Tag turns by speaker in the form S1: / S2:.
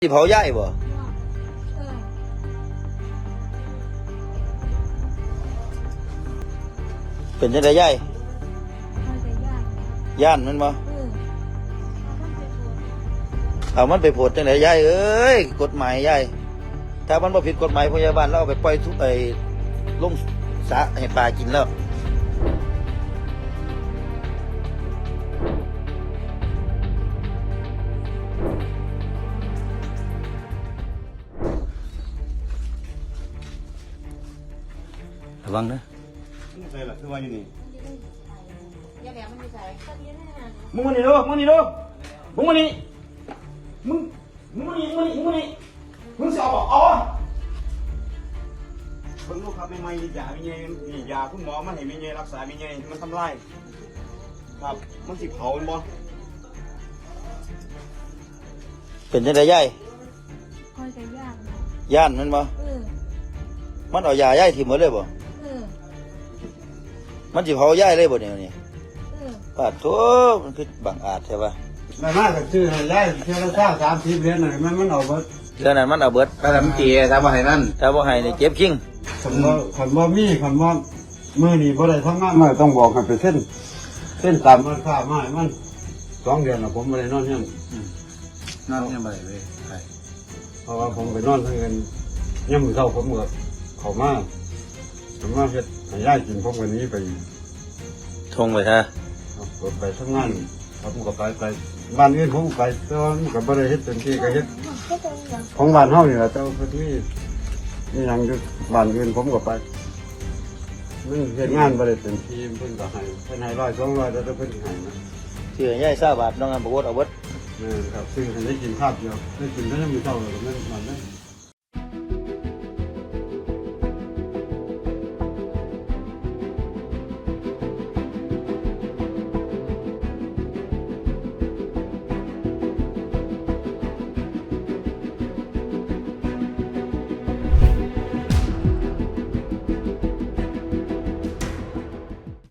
S1: ที่เผาย่ายบ่เป็นจังได๋ย่ายย่านมันบ่เอามันไปโพดจังได๋ย่ายเอ้ยกฎหมายย่ายถ้ามันบ่ผิดกฎหมายพยาบาลเราเอาไปปล่อยทุกลงสระให้ปลากินแล้วระวังนะ
S2: ใช่ล่ะคือว่าอยู่นี่
S3: อย่าแหลมมันอยู่ใส่
S2: มึงมานี่ดูมึงนี่ดูมึงมานี่มึงมานี่มึงสิเอาบ่เอาเพิ่งลูกครับไม่ยาไม่เงี้ยนี่ยาคุณหมอมันให้ไม่เงี้ยรักษาไม่เงี้ยมันทำลายครับมันสิเผามันบ่
S1: เป็นจังได๋ย่าย
S3: คอยกันยาก
S1: ย่านมันบ่มันเอายาย่ายทิ่มหมดเลยบ่มันสิเผาย่ายเลยบ่เนี่ยนี่ปาดโถมันคือบังอาจใช่ป่ะ
S4: ไม่มากก็ชื่อให้ย้ายเที่ยวละ30 เหรียญน่ะมันเอาเบิด
S1: เรื่องนั้นมันเอาเบิด
S2: ถ้าทำเตี๋ยถ้าบ่ให้นั่น
S1: ถ้าบ่ให้นี่เจ็บคิง
S4: คันบ่มีคันบ่มื้อนี้บ่ได้ทำงานมาต้องบอกให้ไปเส้นตามราคามาให้มัน2 เดือนแล้วผมบ่ได้นอนเฮียน
S2: นั่นยังบ่ได้เลยใช่
S4: เพราะว่าผมไปนอนทั้งเงินยามมื้อเช้าผมก็เข้ามาเฮ็ดให้ย้ายกินผมก็หนีไป
S1: ทงไปฮะ
S4: ไปทำงานผมก็ไปบ้านอื่นผมไปแต่ว่ามันก็บ่ได้เฮ็ดเต็มที่ก็เฮ็ดของบ้านเฮานี่ล่ะแต่ว่าเพิ่นมีหยังอยู่บ้านอื่นผมก็ไปมันเฮ็ดงานบ่ได้เต็มที่เพิ่นก็ให้เพิ่นให้100 200แต่เพิ่นให้นะ
S1: ซื้อย่าย20 บาทน้องอันบ่วดเอาเบิด
S4: ครับซื้อให้ได้กินข้าวเดียวได้กินได้มื้อเช้าแล้วมันนั้น